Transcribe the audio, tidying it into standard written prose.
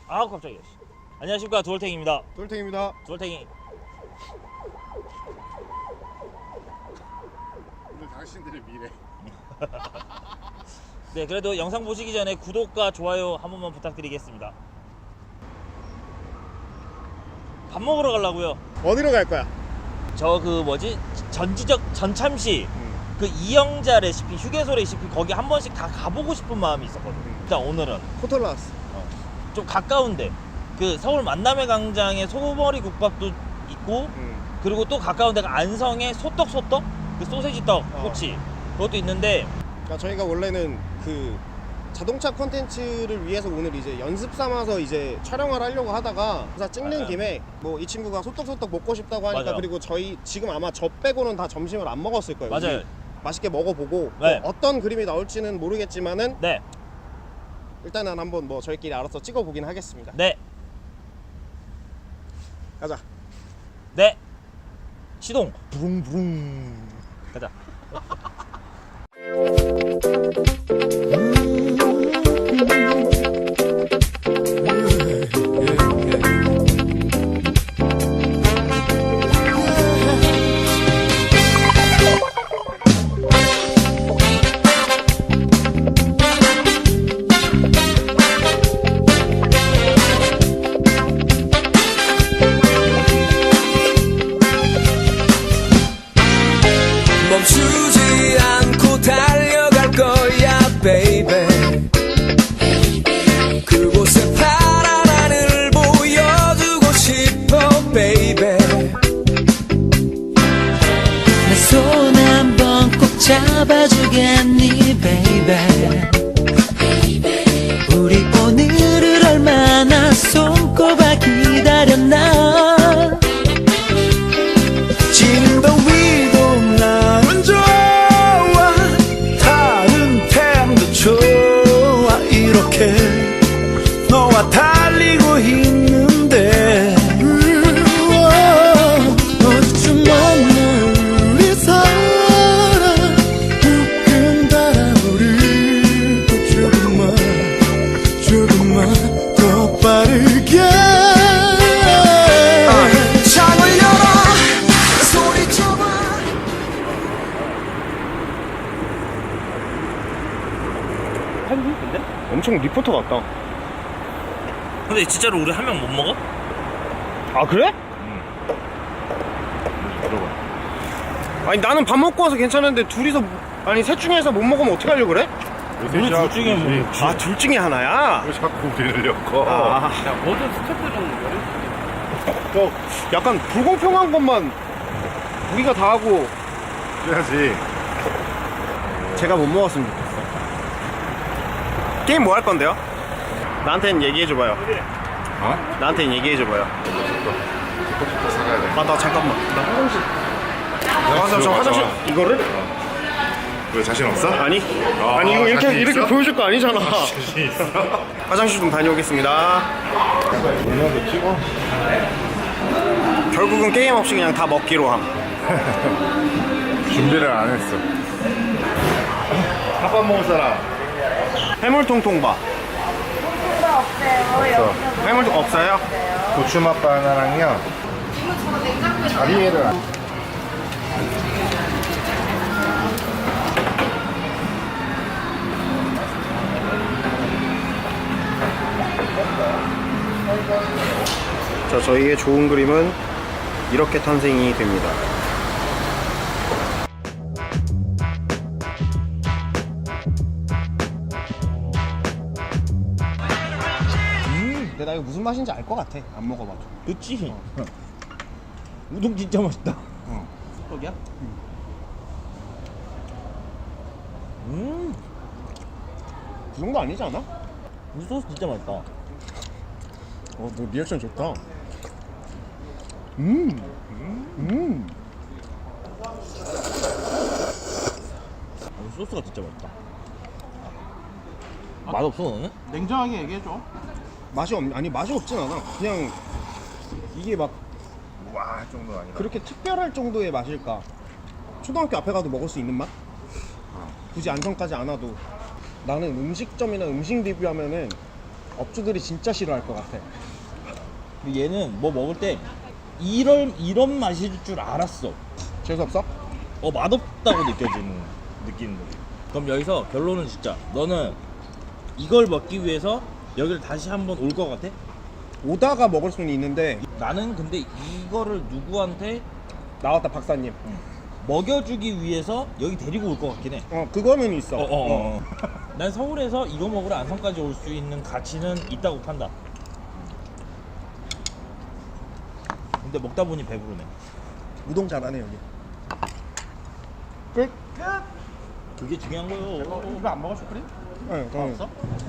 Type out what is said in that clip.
아 깜짝이야. 안녕하십니까, 두얼탱입니다. 돌탱입니다. 두얼탱이. 오늘 당신들의 미래. 네, 그래도 영상 보시기 전에 구독과 좋아요 한 번만 부탁드리겠습니다. 밥 먹으러 가려고요. 어디로 갈 거야? 저 그 뭐지, 전지적 전참시 그 이영자 레시피, 휴게소 레시피 거기 한 번씩 다 가보고 싶은 마음이 있었거든. 일단 오늘은 코털라스. 좀 가까운데 그 서울 만남의 광장에 소머리 국밥도 있고, 그리고 또 가까운 데가 안성의 소떡 그 소세지 떡 꼬치 그것도 있는데, 그러니까 저희가 원래는 그 자동차 콘텐츠를 위해서 오늘 이제 연습 삼아서 이제 촬영을 하려고 하다가 그래서 찍는 김에 뭐 이 친구가 소떡 먹고 싶다고 하니까 맞아요. 그리고 저희 지금 아마 저 빼고는 다 점심을 안 먹었을 거예요. 맞아요. 우리 맛있게 먹어보고 네. 뭐 어떤 그림이 나올지는 모르겠지만은 네, 일단은 한번 뭐 저희끼리 알아서 찍어보긴 하겠습니다. 네, 가자. 네. 시동 부릉부릉 가자. 멈추지 않고 달려갈 거야 baby. 그곳에 파란 하늘을 보여주고 싶어 baby. 내 손 한번 꼭 잡아주겠니 baby. 우리 오늘을 얼마나 손꼽아 기다렸나. 지금 더위도 나는 좋아, 다른 템도 좋아. 이렇게 너와 달리고 있는데 어쩜 없는 우리 사랑 웃긴 바람을 조금만 더 빠르게 창을 열어 소리쳐봐. 근데? 엄청 리포터 같다. 근데 진짜로 우리 한 명 못 먹어? 아 그래? 아니 나는 밥 먹고 와서 괜찮은데 둘이서 아니 셋 중에서 못 먹으면 어떻게 하려고 그래? 우리 둘 중에 뭐. 아 둘 중에 하나야? 왜 자꾸 우리를 엮어? 아, 야, 모든 스태프들 좀 저 약간 불공평한 것만 우리가 다 하고 해야지. 제가 못 먹었으면 좋겠어. 게임 뭐 할 건데요? 나한테는 얘기해줘봐요. 어? 나한테는 얘기해줘봐요. 또 사가야 돼. 아 나 잠깐만. 나 화장실. 저 화장실 이거를? 왜 자신 없어? 아니. 아, 아니 이거 자신 이렇게 있어? 보여줄 거 아니잖아. 자신 있어? 화장실 좀 다녀오겠습니다. 동영도 찍어? 결국은 게임 없이 그냥 다 먹기로 함. 준비를 안 했어. 밥 먹을 사람? 해물통통밥. 없어. 해물통 없어요? 고추맛 바나나랑요. 자리에를 안. 자, 저희의 좋은 그림은 이렇게 탄생이 됩니다. 근데 나 이거 무슨 맛인지 알 것 같아. 안 먹어봐도. 그치? 우동 진짜 맛있다. 떡이야? 그 정도 아니지 않아? 이 소스 진짜 맛있다. 너 리액션 좋다. 이 소스가 진짜 맛있다. 맛없어 너는? 냉정하게 얘기해줘. 아니 맛이 없진 않아. 그냥 이게 막 와, 할 정도는 아니라. 그렇게 특별할 정도의 맛일까? 초등학교 앞에 가도 먹을 수 있는 맛? 굳이 안성까지 안 와도. 나는 음식점이나 음식 리뷰하면은 업주들이 진짜 싫어할 것 같아. 근데 얘는 뭐 먹을 때 이런 맛일 줄 알았어. 재수없어? 맛없다고 느끼는 거지. 그럼 여기서 결론은 진짜 너는 이걸 먹기 위해서 여기를 다시 한번 올 것 같아? 오다가 먹을 수는 있는데 나는 근데 이거를 누구한테 나왔다 박사님. 먹여주기 위해서 여기 데리고 올 것 같긴 해. 그거는 있어. 난 서울에서 이거 먹으러 안성까지 올 수 있는 가치는 있다고 판다. 근데 먹다 보니 배부르네. 우동 잘하네 여기. 끝. 그게 중요한 거요. 이거 안 먹어 슈크림? 네, 없어?